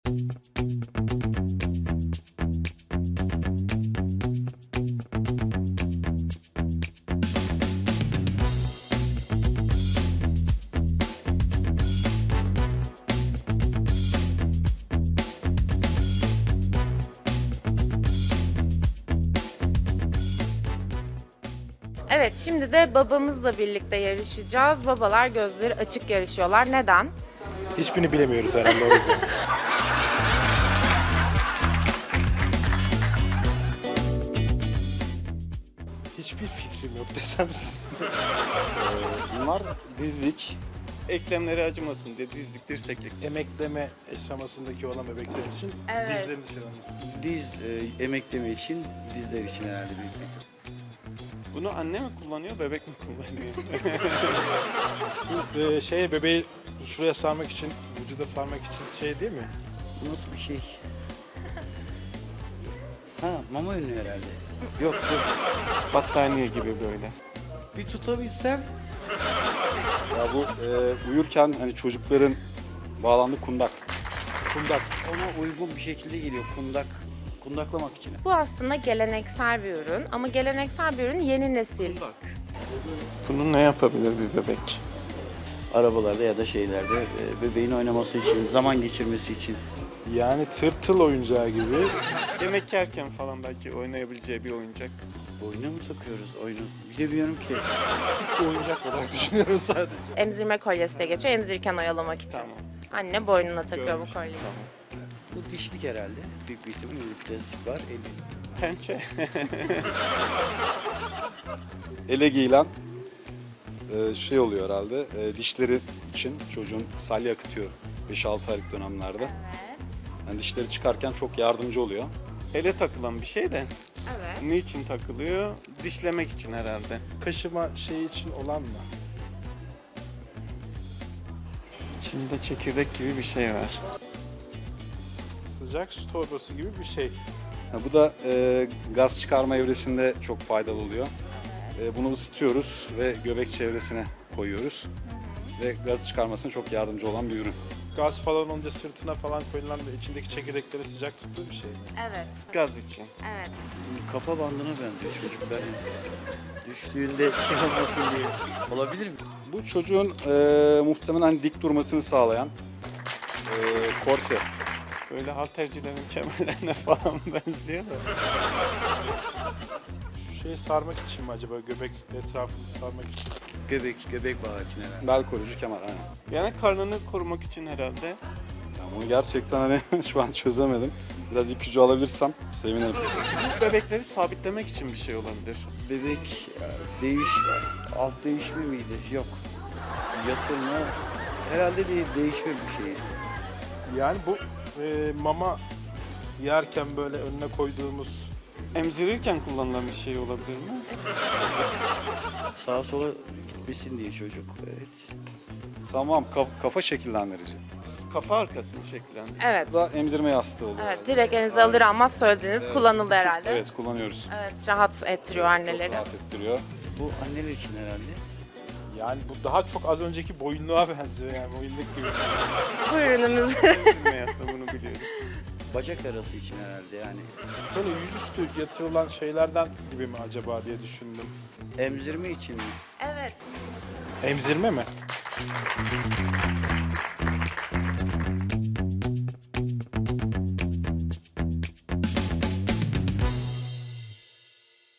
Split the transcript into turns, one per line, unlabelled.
Evet, şimdi de babamızla birlikte yarışacağız. Babalar gözleri açık yarışıyorlar. Neden?
Hiçbirini bilemiyoruz herhalde o yüzden. Hiçbir fikrim yok desem size.
Bunlar dizlik.
Eklemleri acımasın diye dizlik, dirseklik.
Emekleme aşamasındaki olan bebekler için
Evet.
dizlerini dışarı.
Diz emekleme için, dizler için herhalde büyük bir ihtimal.
Bunu anne mi kullanıyor, bebek mi kullanıyor?
Bu bebeği şuraya sarmak için, vücuda sarmak için şey değil mi?
Bu nasıl bir şey? Ha, mama ünlü herhalde. Yok dur.
Battaniye gibi böyle.
Bir tutabilsem.
Ya bu uyurken hani çocukların bağlandığı kundak.
Kundak.
Ona uygun bir şekilde geliyor kundak. Kundaklamak için.
Bu aslında geleneksel bir ürün ama geleneksel bir ürün yeni nesil.
Bunu ne yapabilir bir bebek?
Arabalarda ya da şeylerde bebeğin oynaması için, zaman geçirmesi için.
Yani tırtıl oyuncağı gibi.
Yemek yerken falan belki oynayabileceği bir oyuncak.
Boyuna mı takıyoruz oyunu? Bilemiyorum ki.
Bir oyuncak olarak düşünüyorum sadece.
Emzirme kolyesi de geçiyor, emzirirken oyalamak için.
Tamam.
Anne boynuna takıyor bu
Görmüştüm,
kolyeyi.
tamam.
Bu dişlik herhalde. Büyük bir ihtimalle bir plastik var.
Pençe.
Ele giyilen şey oluyor herhalde. Dişleri için çocuğun salya akıtıyor 5-6 aylık dönemlerde. Yani dişleri çıkarken çok yardımcı oluyor.
Ele takılan bir şey de.
Evet.
Niçin takılıyor? Dişlemek için herhalde.
Kaşıma şeyi için olan mı?
İçinde çekirdek gibi bir şey var.
Sıcak su torbası gibi bir şey.
Ha, bu da gaz çıkarma evresinde çok faydalı oluyor. Bunu ısıtıyoruz ve göbek çevresine koyuyoruz. Ve gaz çıkarmasına çok yardımcı olan bir ürün.
Gaz falan olunca sırtına falan koyulan ve içindeki çekirdekleri sıcak tuttuğu bir şey mi?
Evet.
Gaz için.
Evet.
Kafa bandına benziyor çocuklar. Düştüğünde şey olmasın diye. Olabilir mi?
Bu çocuğun muhtemelen dik durmasını sağlayan korse.
Böyle haltercilerin kemerlerine falan benziyor da.
Şu şeyi sarmak için mi acaba? Göbek etrafını sarmak için.
Göbek bağı için herhalde.
Bel koruyucu kemer. Aynen.
Yani karnını korumak için herhalde.
Yani bunu gerçekten hani şu an çözemedim. Biraz ipucu alabilirsem sevinirim.
Bu bebekleri sabitlemek için bir şey olabilir.
Bebek alt değişme miydi? Yok. Yatırma herhalde değil, değişme bir şey.
Yani bu mama yerken böyle önüne koyduğumuz
Emzirirken kullanılan bir şey olabilir mi?
Sağa sola gitmesin diye çocuk. Evet.
Tamam, kafa şekillendirici.
Kafa arkasını şekillendir.
Evet.
Bu da emzirme yastığı oluyor.
Evet, direkt elinize alır almaz söylediğiniz kullanıldı herhalde.
Evet, kullanıyoruz.
Evet, rahat ettiriyor anneleri.
Çok rahat ettiriyor.
Bu anneler için herhalde.
yani bu daha çok az önceki boyunluğa benziyor yani boyunluk gibi.
Bu ürünümüz.
Meğerse bunu biliyoruz.
Bacak arası için herhalde yani.
Şöyle yüzüstü yatırılan şeylerden gibi mi acaba diye düşündüm.
Emzirme için mi?
Evet.
Emzirme mi?